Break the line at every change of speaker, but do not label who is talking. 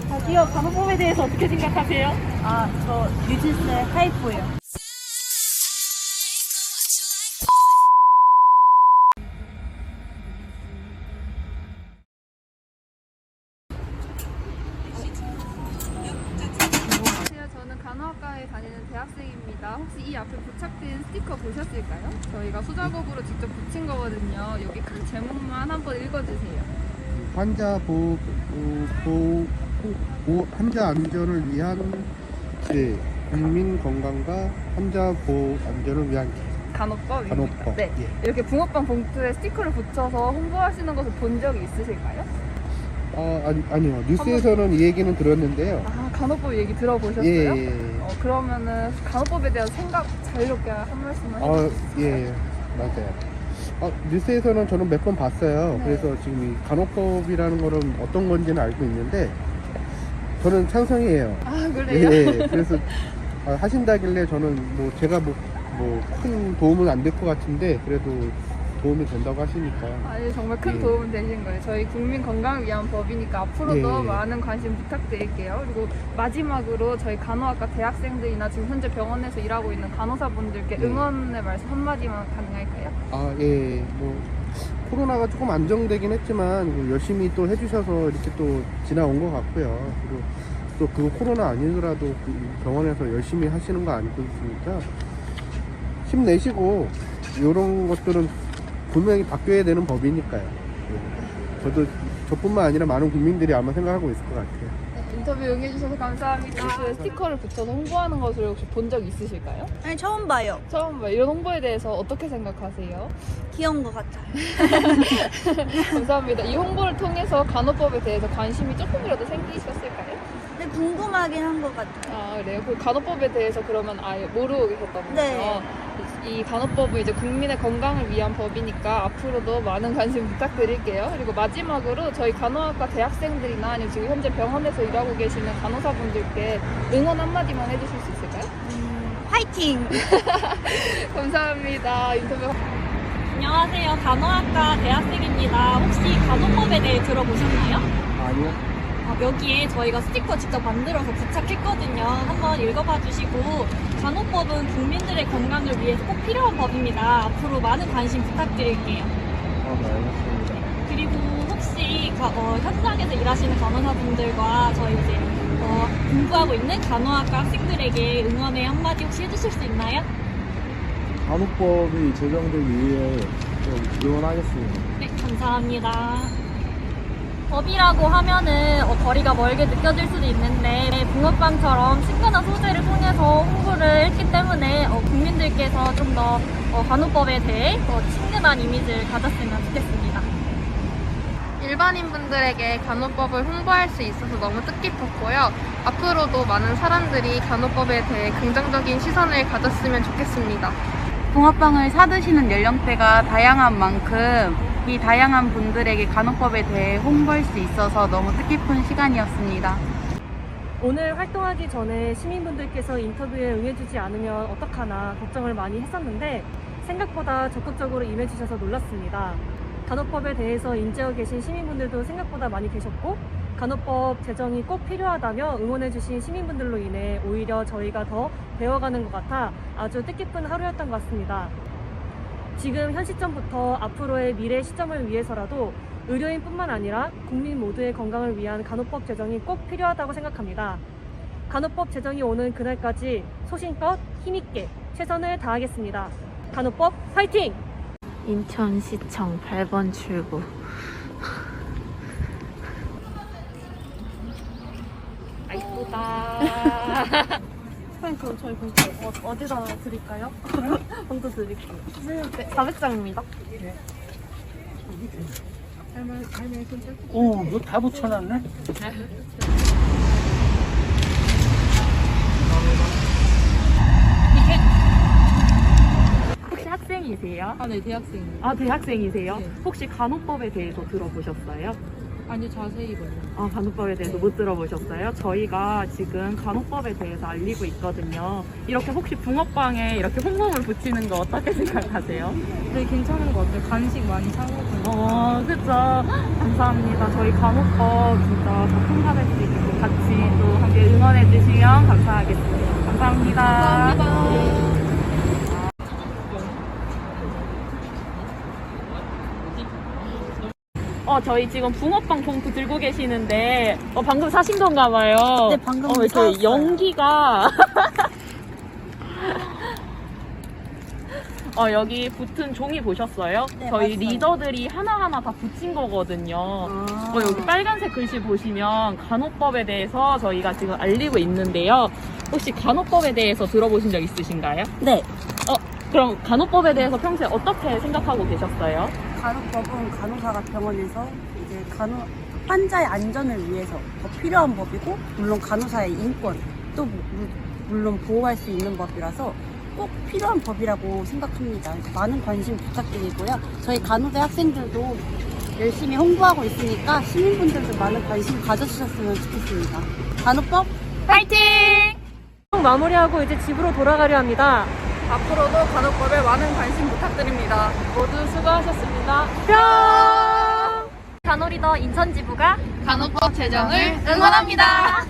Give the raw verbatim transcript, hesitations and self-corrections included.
저기요, 간호법에 대해서 어떻게 생각하세요?
아, 저 뉴진스의 하이포예요.
안녕하세요. 저는 간호학과에 다니는 대학생입니다. 혹시 이 앞에 부착된 스티커 보셨을까요? 저희가 수작업으로 직접 붙인 거거든요. 여기 큰 제목만 한번 읽어주세요.
환자 보호, 보호, 보호, 환자 안전을 위한 네, 국민 건강과 환자 보호 안전을 위한
간호법입니다.
간호법.
네.
예.
이렇게 붕어빵 봉투에 스티커를 붙여서 홍보하시는 것을 본 적이 있으실까요?
아, 아니, 아니요. 뉴스에서는 이 얘기는 들었는데요.
아, 간호법 얘기 들어보셨어요?
예, 예, 예.
어, 그러면은 간호법에 대한 생각 자유롭게 한 말씀만
아,
해주실 수 있어요?
예, 예. 맞아요. 아, 뉴스에서는 저는 몇 번 봤어요.
네.
그래서 지금 이 간호법이라는 거는 어떤 건지는 알고 있는데 저는 찬성이에요.
아,
예,
그래요?
예. 그래서 아, 하신다길래 저는 뭐 제가 뭐 뭐 큰 도움은 안 될 것 같은데 그래도 도움이 된다고 하시니까
아니, 정말 큰
예.
도움은 되신 거예요. 저희 국민 건강을 위한 법이니까 앞으로도
예.
많은 관심 부탁드릴게요. 그리고 마지막으로 저희 간호학과 대학생들이나 지금 현재 병원에서 일하고 있는 간호사분들께
예.
응원의 말씀 한마디만 가능할까요?
아, 예, 뭐 코로나가 조금 안정되긴 했지만 뭐 열심히 또 해주셔서 이렇게 또 지나온 것 같고요. 그리고 또 그 코로나 아니더라도 그 병원에서 열심히 하시는 거 알고 있으니까 힘내시고 이런 것들은 분명히 바뀌어야 되는 법이니까요. 예. 저도 저뿐만 아니라 많은 국민들이 아마 생각하고 있을 것 같아요.
네, 인터뷰 응해주셔서 감사합니다. 그 스티커를 붙여서 홍보하는 것을 혹시 본 적 있으실까요?
아니, 처음 봐요.
처음 봐요. 이런 홍보에 대해서 어떻게 생각하세요?
귀여운 것 같아요.
감사합니다. 이 홍보를 통해서 간호법에 대해서 관심이 조금이라도 생기셨을까요?
근데 궁금하긴 한 것 같아요.
아, 그래요? 그 간호법에 대해서 그러면 아예 모르고 계셨던 거죠?
네.
이 간호법은 이제 국민의 건강을 위한 법이니까 앞으로도 많은 관심 부탁드릴게요. 그리고 마지막으로 저희 간호학과 대학생들이나 아니면 지금 현재 병원에서 일하고 계시는 간호사분들께 응원 한마디만 해주실 수 있을까요?
음, 화이팅!
감사합니다. 인터뷰.
안녕하세요. 간호학과 대학생입니다. 혹시 간호법에 대해 들어보셨나요?
아니요.
어, 여기에 저희가 스티커 직접 만들어서 부착했거든요. 한번 읽어봐 주시고, 간호법은 국민들의 건강을 위해서 꼭 필요한 법입니다. 앞으로 많은 관심 부탁드릴게요.
아, 네, 알겠습니다.
그리고 혹시 가- 어, 현장에서 일하시는 간호사분들과 저희 이제 어, 공부하고 있는 간호학과 학생들에게 응원의 한마디 혹시 해주실 수 있나요?
간호법이 제정되기 위해 좀 응원하겠습니다.
네, 감사합니다. 법이라고 하면은 어, 거리가 멀게 느껴질 수도 있는데 붕어빵처럼 친근한 소재를 통해서 홍보를 했기 때문에 어, 국민들께서 좀 더 어, 간호법에 대해 더 친근한 이미지를 가졌으면 좋겠습니다.
일반인 분들에게 간호법을 홍보할 수 있어서 너무 뜻깊었고요. 앞으로도 많은 사람들이 간호법에 대해 긍정적인 시선을 가졌으면 좋겠습니다.
붕어빵을 사드시는 연령대가 다양한 만큼 이 다양한 분들에게 간호법에 대해 홍보할 수 있어서 너무 뜻깊은 시간이었습니다.
오늘 활동하기 전에 시민분들께서 인터뷰에 응해주지 않으면 어떡하나 걱정을 많이 했었는데 생각보다 적극적으로 임해주셔서 놀랐습니다. 간호법에 대해서 인지하고 계신 시민분들도 생각보다 많이 계셨고 간호법 제정이 꼭 필요하다며 응원해주신 시민분들로 인해 오히려 저희가 더 배워가는 것 같아 아주 뜻깊은 하루였던 것 같습니다. 지금 현 시점부터 앞으로의 미래 시점을 위해서라도 의료인뿐만 아니라 국민 모두의 건강을 위한 간호법 제정이 꼭 필요하다고 생각합니다. 간호법 제정이 오는 그날까지 소신껏 힘있게 최선을 다하겠습니다. 간호법 파이팅!
인천시청 팔 번 출구.
이쁘다. 선생님 그럼 저희 봉투 어, 어디다 드릴까요? 봉투 드릴게요. 사백 장입니다.
오, 이거 다 붙여놨네?
혹시 학생이세요?
아, 네, 대학생입니다.
아, 대학생이세요?
네.
혹시 간호법에 대해서 들어보셨어요?
아니요, 자세히 몰라요.
아, 간호법에 대해서 못 들어보셨어요? 저희가 지금 간호법에 대해서 알리고 있거든요. 이렇게 혹시 붕어빵에 이렇게 홍보물 붙이는 거 어떻게 생각하세요?
네, 괜찮은 것 같아요. 간식 많이 사먹어요.
어, 그쵸. 감사합니다. 저희 간호법 진짜 더 통과될 수 있게 같이 주시면 감사하겠습니다. 감사합니다. 어, 저희 지금 붕어빵 봉투 들고 계시는데, 어, 방금 사신 건가 봐요.
네, 방금
어, 이렇게
사왔어요.
연기가. 어, 여기 붙은 종이 보셨어요?
네,
저희
봤어요.
리더들이 하나하나 다 붙인 거거든요.
아.
어, 여기 빨간색 글씨 보시면 간호법에 대해서 저희가 지금 알리고 있는데요. 혹시 간호법에 대해서 들어보신 적 있으신가요?
네.
어, 그럼 간호법에 대해서 평소에 어떻게 생각하고 계셨어요?
간호법은 간호사가 병원에서 이제 간호 환자의 안전을 위해서 더 필요한 법이고, 물론 간호사의 인권 또 무- 물론 보호할 수 있는 법이라서 꼭 필요한 법이라고 생각합니다. 많은 관심 부탁드리고요. 저희 간호대 학생들도 열심히 홍보하고 있으니까 시민분들도 많은 관심 가져주셨으면 좋겠습니다. 간호법
파이팅!
마무리하고 이제 집으로 돌아가려 합니다.
앞으로도 간호법에 많은 관심 부탁드립니다. 모두 수고하셨습니다.
간호리더 인천지부가
간호법 제정을
응원합니다.